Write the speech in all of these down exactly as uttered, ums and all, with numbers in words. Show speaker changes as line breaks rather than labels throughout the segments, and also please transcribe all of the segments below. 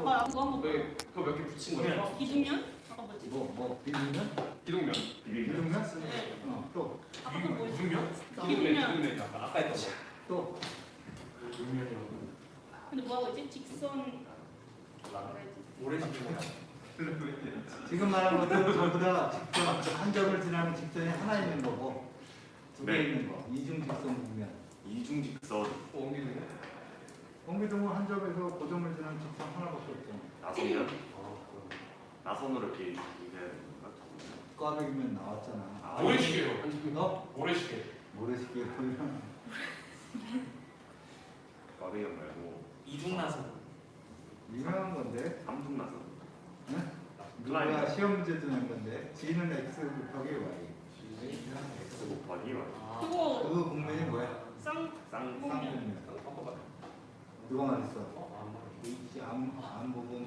아까 그거 한번
왜 그거 몇 개 붙인 거예요?
기둥면? 아까 뭐지?
뭐, 뭐, 비빔면?
기둥면.
비빔면?
네.
어, 또,
아까 또 뭐였지?
기둥면?
기둥면.
기둥면. 아까 아까 했던 거.
또.
근데 뭐 하고 있지? 직선 뭐라 해야지?
오래 시킨 거야.
지금 말한 것들은 전부 다 직선, 한 점을 지나는 직선이 하나 있는 거고, 두 개
네.
있는 거. 이중 직선 국면.
이중 직선
옮기는 거?
공기동은 한 점에서 고점을 지나는 직선 하나밖에 없잖아.
나선면
아,
나선으로 이렇게 이게
꽈배기면 나왔잖아.
아,
모래시계로.
너?
모래시계.
모래시계 보이면
꽈배기형 말고
이중 나선.
유명한 건데.
삼중 나선.
응?
클라인.
누가 시험 문제도 낸 건데. G는 X 곱하기 Y.
X 곱하기 Y.
아.
그거
그 국면이 뭐야?
쌍
쌍
쌍국면.
깜빡.
누가 말했어?
어, 안 말해.
H 안, 안 보고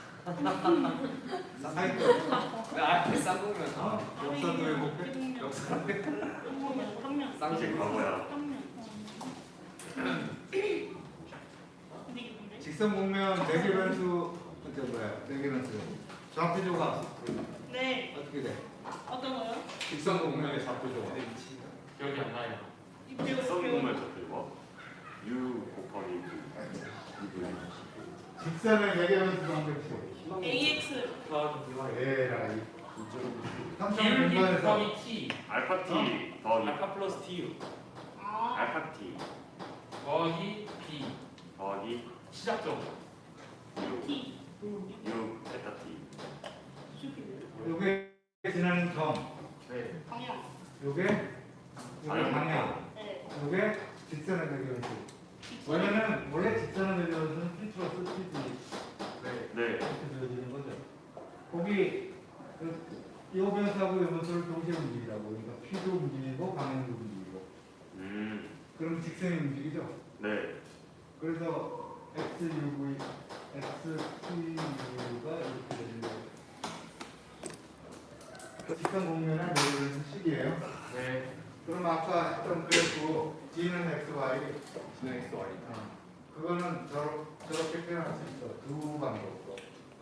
쌍.
사이트
아, 쌍국면.
어? 역사도 왜곡해?
기둥면.
역사.
한번 말고 한 면.
쌍식 과거야.
한 면. 어. 근데 이게 뭔데?
직선 국면 네 개 변수 저 뭐야? 네 개 변수 좌표 조각
네.
어떻게 돼?
어떤 거요?
직선 공면의 좌표 조각. 기억이 안 나요.
이 배우
직선공을 접해봐. U 곱하기 U.
직선의 네 개 변수 방정식
에이엑스.
에라이
기울기
삼성 공간에서
곱하기 t.
알파 T 더하기
알파 플러스 t
아.
알파 T
더하기 b.
더하기
시작점.
U
T.
U 베타 T.
요게 지나는 점
네.
방향.
요게 요게
방향.
방향
네.
요게 직선의 네 개 변수 원래는 원래 직선의 네 개 변수는 P 플러스 P D
네.
네.
이렇게 되어지는 거죠. 거기 그, 이 변수하고 이 변수를 동시에 움직이라고 그러니까 P도 움직이고 방향도 움직이고
음.
그럼 직선이 움직이죠.
네.
그래서 X U V, X P U가 이렇게 되는 거예요. 직선 공면의 모델은 식이에요.
네.
그럼 아까 했던 그래프 G는 X, Y
진행 x y.
어, 그거는 저러, 저렇게 표현할 수 있어. 두 방법으로.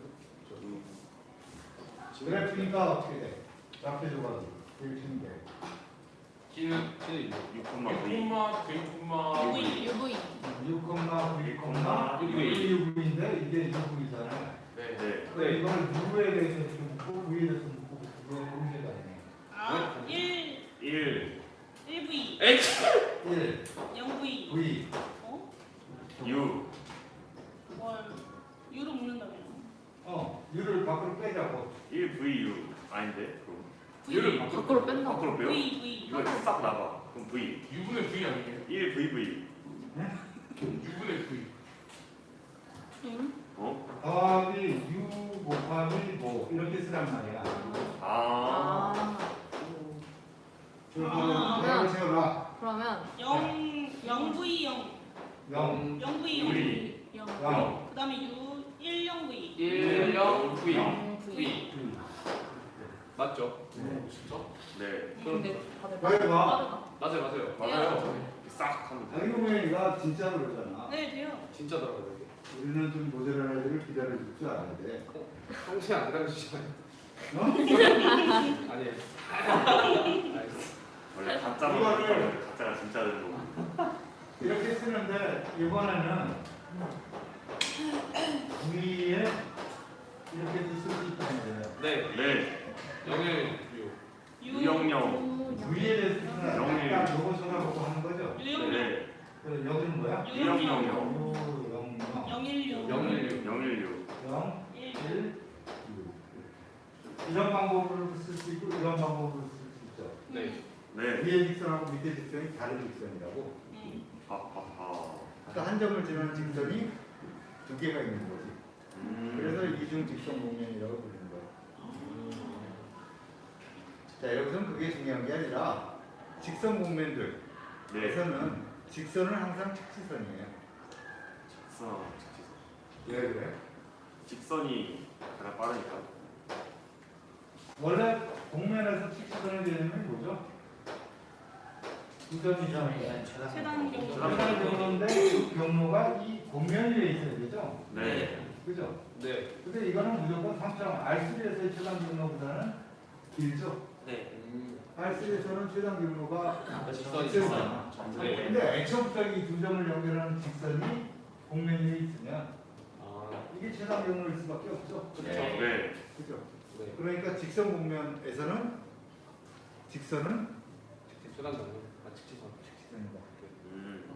그래프니까 어떻게 돼? 좌표 조각이 일치는 게.
기는 기는
육
육
콤마 V.
콤마 구 콤마
V.
유브이
육, 구,
콤마
이게 유 브이인데 이게 유 브이잖아.
네.
네.
그럼 이거를 누구에 대해서 좀 묻고 V에 대해서 묻고 그거의 문제가 있네.
아. 일.
일
일 V.
H.
일,
영 V.
V,
어?
U
뭘? 유로 묶는다며.
어, U를 밖으로 빼자고.
일 V U 아닌데 그럼
U를
V.
밖으로 뺀다.
밖으로 빼요?
V V.
이거 싹 나가. 그럼 V
유분의 v 아니에요?
일 V V
유분의 v.
응?
어?
더하기 U 곱하기 뭐 이렇게 쓰란 말이야.
아.
아
그리고
아.
대학을 세워라.
그러면
영. 영 V 영.
영,
영 V 영.
V
영
영,
그다음에 U 일 영 V.
일 영 v.
영 V
v. 맞죠?
네.
진짜?
네.
근데 다들
빨리 봐.
빠르다
맞아요, 맞아요.
맞아요. 싹 하면 돼.
자기공연이가 진짜로 그러잖아.
네 돼요.
진짜 들어가요.
우리는 좀 모자랄 애들을 기다려줄 줄 알아야 돼.
평소에 안 기다려주시잖아요.
어?
아니에요.
원래 가짜로
이거를-
가짜가 진짜 되는 거.
이렇게 쓰는데 이번에는 위에 이렇게도 쓸 수 있다는 거예요.
네.
네.
영일 유.
유영영.
위에 대해서 쓰는
영일.
약간 요거 쳐다보고 하는 거죠.
유영.
네.
그래서 여기는 뭐야?
유영영.
유, 영, 영.
영일 유.
영일 유.
영일유.
영,
일.
일, 유. 이런 방법으로 쓸 수 있고 이런 방법으로 쓸 수 있죠.
네.
네.
위에 직선하고 밑에 직선이 다른 직선이라고.
음.
하하하.
그러니까 한 점을 지나는 직선이 두 개가 있는 거지.
음.
그래서 이중 직선 공면이라고 부르는 거야. 자, 여기서는 그게 중요한 게 아니라 직선 공면들에서는
네.
직선은 항상 착지선이에요.
직선.
왜 그래?
직선이 가장 빠르니까.
원래 공면에서 직선의 개념이 뭐죠? 두 점 이상의
최단 경로.
최단 경로인데 그 경로가 이 공면 위에 있어야 되죠?
네.
그죠?
네.
근데 이거는 무조건 삼 점 알쓰리에서의 최단 경로보다는 길죠?
네. 음.
알쓰리에서는 최단 경로가
직선이
직선이잖아.
네.
근데 애초부터 이 두 점을 연결하는 직선이 공면이 있으면
아.
이게 최단 경로일 수밖에 없죠.
그렇죠.
네. 네.
그죠?
네.
그러니까 직선 공면에서는 직선은
최단 경로. 아 직지선.
직선이다.
음.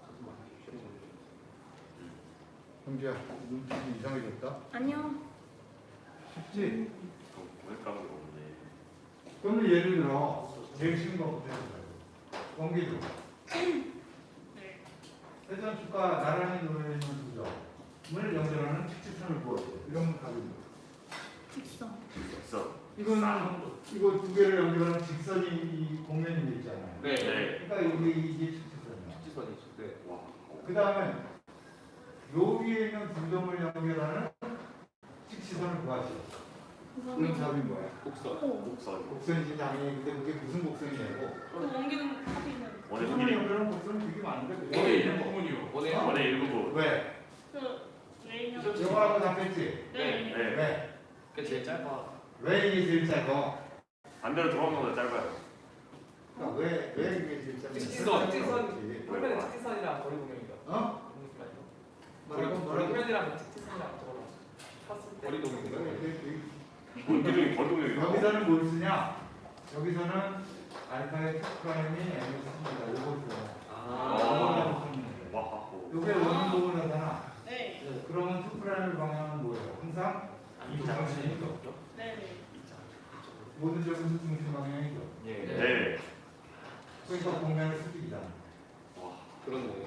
형제야, 눈빛이 이상해졌다.
아니요.
쉽지?
오늘 까먹은 거 없네.
그러면 예를 들어 제일 쉬운 거부터 해보자고. 원기도.
네.
회전축과 나란히 놓여 있는 두 점을 연결하는 직지선을 구하세요. 이러면 답입니다.
직선.
직선.
이거는 이거 두 개를 연결하는 직선이 이 공면이 있잖아요.
네.
네.
그러니까 여기 이게 직지선이야.
직지선이죠. 네.
와.
그 다음에 요 위에 있는 두 점을 연결하는 직지선을 구하시오. 그럼
그거는
답이 뭐야?
곡선.
오.
곡선.
곡선이지 당연히. 근데 그게 무슨 곡선이냐고.
그 원기는 하기는
원의
두 점을
길이.
연결하는 곡선은 되게 많은데 그게
원의 일부분이요. 원의
어?
원의 일부분.
왜?
그 레이너.
이거하고 답했지?
네.
네.
왜?
그게 제일 짧아.
왜 이게 제일 짧아?
반대로 돌아오는 것보다 짧아요.
그러니까 왜, 왜 이게 제일 짧아?
직지선,
직지선.
평면은 직지선이랑 거리 동영이다.
어? 뭐라고?
거리
뭐라고?
평면이랑 직지선이랑 저거랑 탔을 때
거리 동영이다.
원기둥이 거동력이
여기서는 뭘 쓰냐? 여기서는 알파의 특프라임이 M을 씁니다. 요거 써요.
아.
요거라고 쓰는 거예요.
와.
요게 원인복을 하잖아.
네.
그러면 특프라임의 방향은 뭐예요? 항상 이 방향이죠.
네. 네.
모든 점은 중심 방향이죠.
예.
네.
그러니까 공면의 수직이잖아.
와.
그렇네요.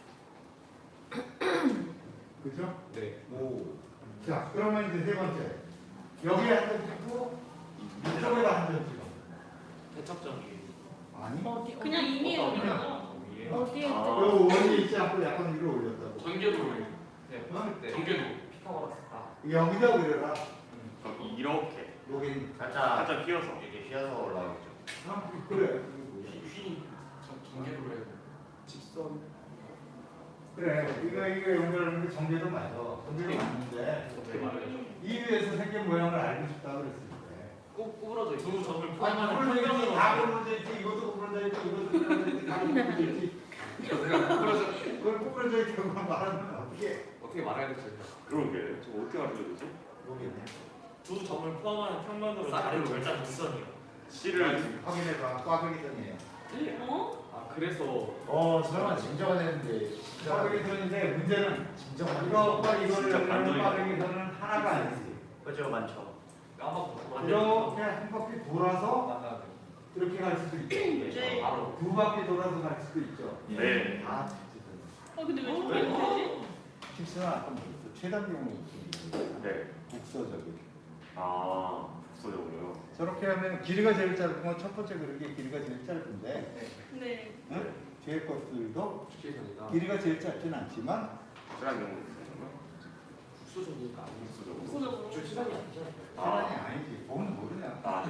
그죠?
네.
오. 자, 그러면 이제 세 번째. 여기에 한 점 찍고 이쪽에다 한 점 찍어.
대척점이
아니?
어디
그냥
어디
이미
어,
올리죠.
위에.
어디에
아.
또
요 원이 있지 않고 약간 위로 올렸다고.
전개도로예요.
네,
어?
때
전개도.
피타고라스 아
여기다 그려라.
그럼 이렇게
여기.
살짝
살짝 휘어서.
이렇게 휘어서 올라오죠.
아, 그래.
휘 전개도로예요. 직선.
그래. 이거 이거 연결하는 게 전개도 맞아. 전개도 맞는데
어떻게 말해야죠?
이 위에서 생긴 모양을 알고 싶다 그랬을 때.
꼭 구부러져 있어. 두 점을
아니,
포함하는
구부러져 있지.
평면으로.
다 구부러져 있지. 이것도 구부러져 있고 이것도 구부러져 있고 다 구부러져 있지.
구부러져.
그걸 구부러져 있다고 말하면 어떻게?
어떻게 말해야 될지.
그런 게. 저 어떻게 알려야 되지?
모르겠네.
두 점을 포함하는 평면으로
아래로
결자 직선이요.
C를
확인해봐. 꽈배기선이에요.
어?
아 그래서
어, 설마 진정은 했는데 진짜
꽈배기선인데 문제는
진정은
이거과 이거를
진짜
연결하는
반전이다.
꽈배기선은 하나가 아니지.
그죠 많죠.
까먹고
이렇게 한 바퀴 돌아서
만나야 돼.
이렇게 갈 수도 있죠.
네.
바로.
두 바퀴 돌아서 갈 수도 있죠.
네.
다
어 근데 왜 저렇게 되지?
직선은 아까 뭐였어? 최단 경우
네.
국서적이.
아. 국소적으로요.
저렇게 하면 길이가 제일 짧은 건 첫 번째 그릇이 길이가 제일 짧은데
네.
응? 뒤에 것들도
직지선이다.
길이가 제일 짧진 않지만
최단 경우 있어요.
국수적이니까 아니고.
국소적으로.
구소적으로.
저 시간이 아니잖아요.
사람이 아니지. 보면 모르냐.
아.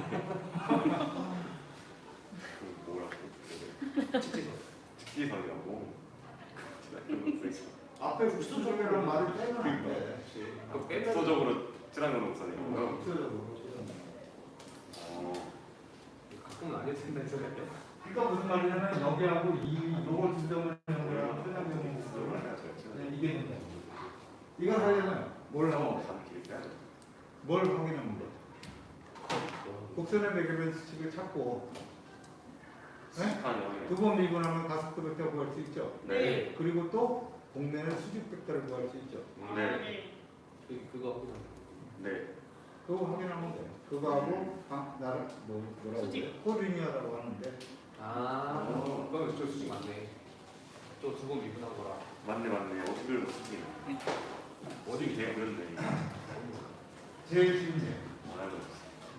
그 뭐라고?
직지선.
직지선이라고. 최단 경우 있어.
앞에 국서적이라는 말을 빼면 안 돼.
그 빼면
국소적으로 최단 경우 국선이고요.
국서적으로.
어.
가끔은 아닐 텐데 생각해.
그러니까 무슨 말이냐면 여기하고 이 요걸 두 점을 연결하는 최단 경우 국서는 그냥 이게 된다. 이거 하려면 뭘 하면 돼?
단 길게.
뭘 확인하면 돼? 곡선의 매개변 수칙을 찾고 네?
아니요.
두 번 미분하면 가속도 벡터 구할 수 있죠.
네.
그리고 또 공면의 수직 벡터를 구할 수 있죠.
아,
네.
네.
그 그거 확인하면.
네.
그거 확인하면 돼. 그거하고 아, 나를 뭐 뭐라고
수직.
그래? 코리니어라고 하는데
아.
어.
그럼 저 수직 맞네. 또 두 번 미분한 거라.
맞네 맞네. 어떻게 못 쓰긴. 어디 되게 그런데.
제일 쉬운 게
알고 있어.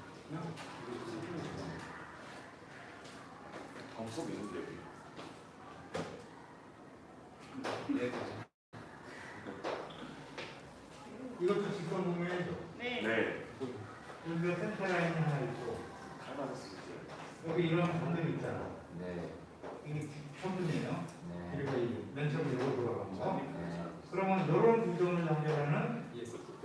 방법 있는데 여기.
네.
이것도 직선 공면이죠.
네.
네.
여기가 센터 라인이 하나 있고
칼맞을 수 있어요.
여기 이런 점들이 있잖아.
네.
이게 평분이에요.
네.
그리고 이맨 처음에 이거 돌아간 거.
네.
그러면 이런 두 점을 연결하는
이해했어.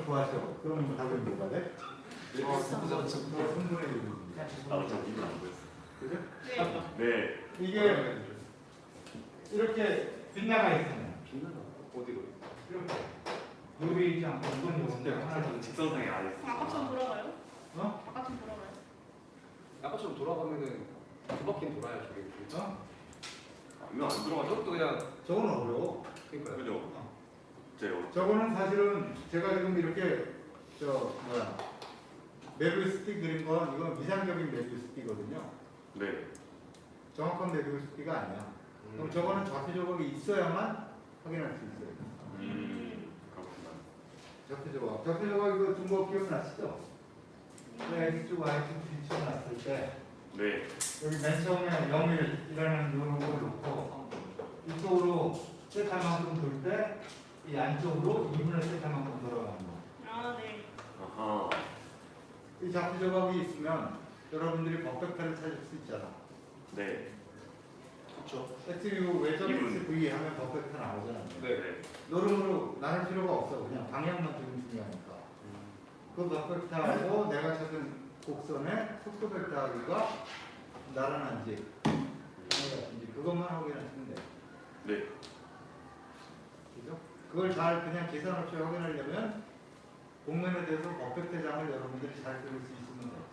구하죠. 그럼 답이 뭐가 돼?
어,
삼분의 일.
나도 좀 이건 안 보였어.
그죠?
네.
네.
이게 이렇게 빗나가 있으면
빛나나? 어디로?
이렇게 요리 있지 않고 이건 요건데 하나 더.
직선상에 안 있어.
아까처럼 돌아가요?
어?
아까처럼 돌아가요?
아까처럼 돌아가면은 두 바퀴는 돌아야 저게.
어?
이거 안 들어가죠?
저것도 그냥
저건 어려워.
그러니까요.
그죠? 제
저거는 사실은 제가 지금 이렇게 저 뭐야 메비우스틱 그린 건 이건 미상적인 메비우스틱이거든요.
네.
정확한 메비우스틱가 아니야. 그럼 저거는 좌표 조각이 있어야만 확인할 수 있어요.
음. 그렇구나.
좌표 조각. 좌표 조각 이거 준 거 기억나시죠? X축, Y축 비춰놨을 때
네.
여기 맨 처음에 영일이라는 요걸 놓고 이쪽으로 세타만큼 돌 때 이 안쪽으로 이분의 세타만큼 돌아가는 거.
아, 네.
아하.
이 좌표 조각이 있으면 여러분들이 법벡터를 찾을 수 있잖아.
네.
그렇죠.
X유 외점
이분.
X, V 하면 법벡터 나오잖아.
네.
노름으로 나눌 필요가 없어. 그냥 방향만 좀 중요하니까. 그 법벡터하고 내가 찾은 곡선의 속도 벡터가 나란한지 아니라든지 그것만 확인하시면 돼.
네.
그죠? 그걸 잘 그냥 계산 없이 확인하려면 공면에 대해서 법벡터장을 여러분들이 잘 그릴 수 있으면 돼.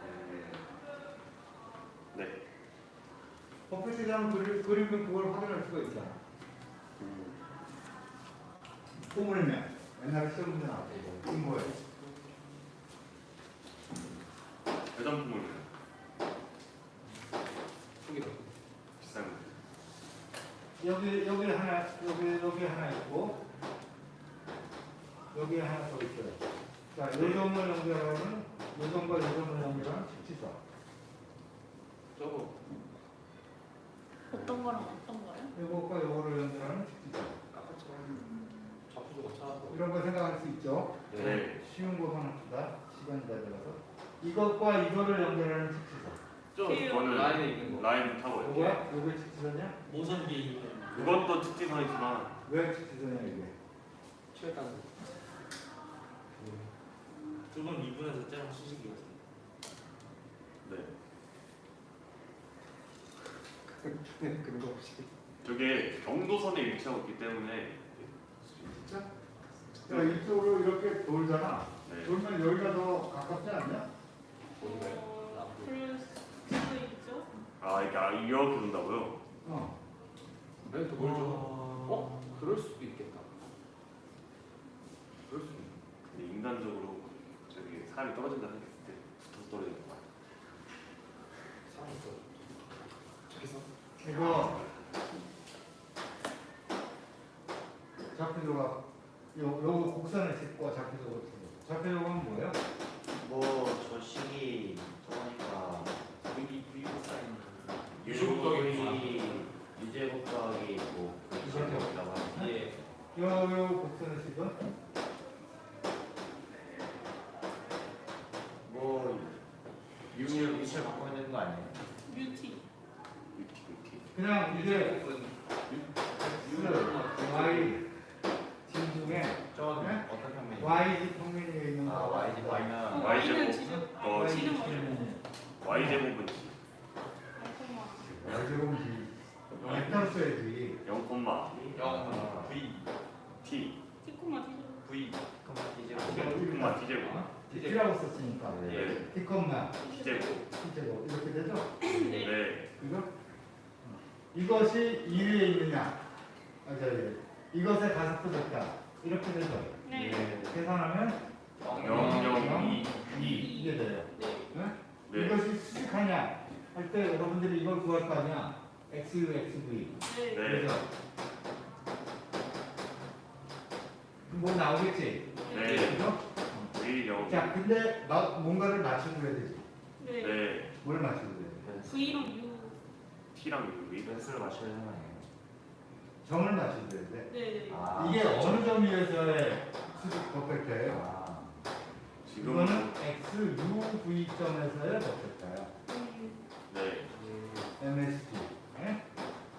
네.
법벡터장을 그리, 그리면 그걸 확인할 수가 있잖아.
음.
포물면 옛날에 시험 문제 나왔고 이거 뭐예요?
대장품을
저기다.
비싼 거.
여기 여기 하나 여기 여기 하나 있고 여기 하나 더 있어요. 자, 요점을 연결하는 요점과 요점을 연결하는 직지선.
저거
어떤 거랑 어떤 거요?
요것과 요거를 연결하는 직지선.
아까처럼 좌표조가 찾아서.
이런 거 생각할 수 있죠?
네.
쉬운 거만 합시다. 시간이 다 들어서. 이것과 이거를 연결하는 직지선.
저
그래요.
그거는
라인에 있는 거.
라인 타고요.
요거야? 요게 직지선이야?
모선 비에 있는
그것도 특징선이지만
왜 직지선이야 이게?
최단.
두번 미분해서 짜는 수식이거든요.
네.
그런 거 없이.
저게 경도선에 위치하고 있기 때문에
진짜? 자, 이쪽으로 이렇게 돌잖아.
네.
돌면 여기가 더 가깝지 않냐?
어, 그럴 수도 있죠.
아 이게 아, 이렇게 돈다고요?
어.
아니 더 멀죠. 어? 그럴 수도 있겠다. 그럴 수도 있.
근데 인간적으로 저기 사람이 떨어진다 생각했을 때 붙어서 떨어지는 거 같아요.
사람이 더. 저기서.
이거 좌표 조각 요 요거 곡선을 짚고 좌표 조각 치고 좌표 조각은 뭐예요?
뭐저 식이 저거니까
V V 사인
유제곱 더하기 유제곱 더하기 뭐 유제곱이라고 하지.
예.
요, 요 곡선을 짚은
뭐 유, 위치를 바꾸면 되는 거 아니에요?
뮤티.
위티 위티.
그냥 이제
유제곱은
y 진 중에
저
네?
어떤 평면이에요?
y지 평면에 있는
아
거
y지
어,
y면
Y
Y는
제곱.
지금
어,
아, 지는
y지
뭐죠?
y 제곱은
y제곱이지 벡터 써야지
영 콤마
영 V
t
티코마 티죠.
V
그럼 이제
영 콤마 t 제곱.
t라고 썼으니까
네.
t 콤마
t 제곱.
t제곱 이렇게 되죠?
네.
네.
이거? 이것이 이 위에 있느냐? 아, 저기 이것의 가속도 벡터 이렇게 되죠?
네.
계산하면
영 영 이 이.
이게 돼요. 네?
네.
이것이 수직하냐? 할 때 여러분들이 이걸 구할 거 아니야? xu, xv.
네.
네.
그죠? 뭐 나오겠지?
네.
그죠?
일 영.
자, 근데 마, 뭔가를 맞춰줘야 되지.
네.
네.
뭘 맞춰줘야 돼?
V랑 U.
t랑 유.
벤스를 맞춰야 되는 거 아니에요?
점을 맞춰줘야 돼.
네. 네.
아,
이게 어느 점에서의 수직 퍼펙트예요?
아,
지금
이거는 x, u, v 점에서의 퍼펙트야.
음,
네.
엠에스티. 예?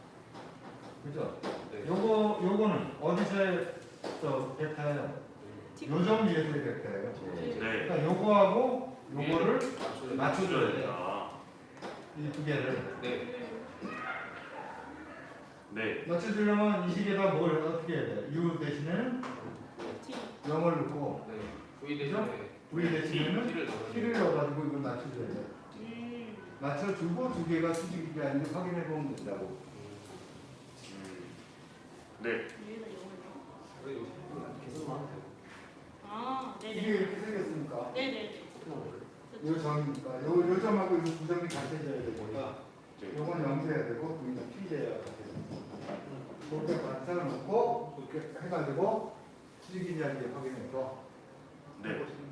그죠?
네.
요거, 요거는 어디서의 저 벡터예요? 요점 위에서의 벡터예요.
네.
그러니까 요거하고 요거를
맞춰야
맞춰줘야 돼.
된다.
이 두 개를.
네.
네.
맞춰주려면 이 식에다 뭘 어떻게 해야 돼? U 대신에는
T.
영을 넣고
네. V 대신에
V 대신에는
T를 넣어요.
T를 넣어가지고 이걸 맞춰줘야 돼.
음.
맞춰주고 두 개가 수직이 아닌지 확인해보면 된다고.
음. 네.
위에다 영을 넣어.
그래 이거 계산만 하면 되고.
아,
이게
네네.
이렇게 생겼으니까
네네네.
요 점이니까 요, 요 점하고 요 두 점이 같아져야 되니까 요건 영돼야 되고 여기는 T제야 그렇게 맞춰놓고 그렇게 해가지고 수직이냐 이제 확인해서
네.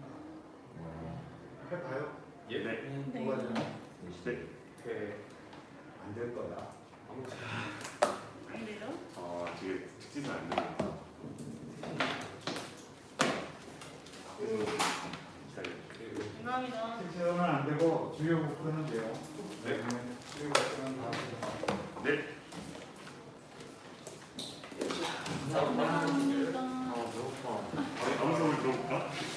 해봐요.
예. 네.
네.
뭐가 되나?
네.
네.
안될 거다.
아무튼
안 돼요?
아, 되게 특징은 안 되네요.
감사합니다.
실제로는 안 되고 주요 목표는 돼요.
네.
주요 목표는 다 돼요.
네.
감사합니다.
아 배고파.
아무 소리 들어볼까?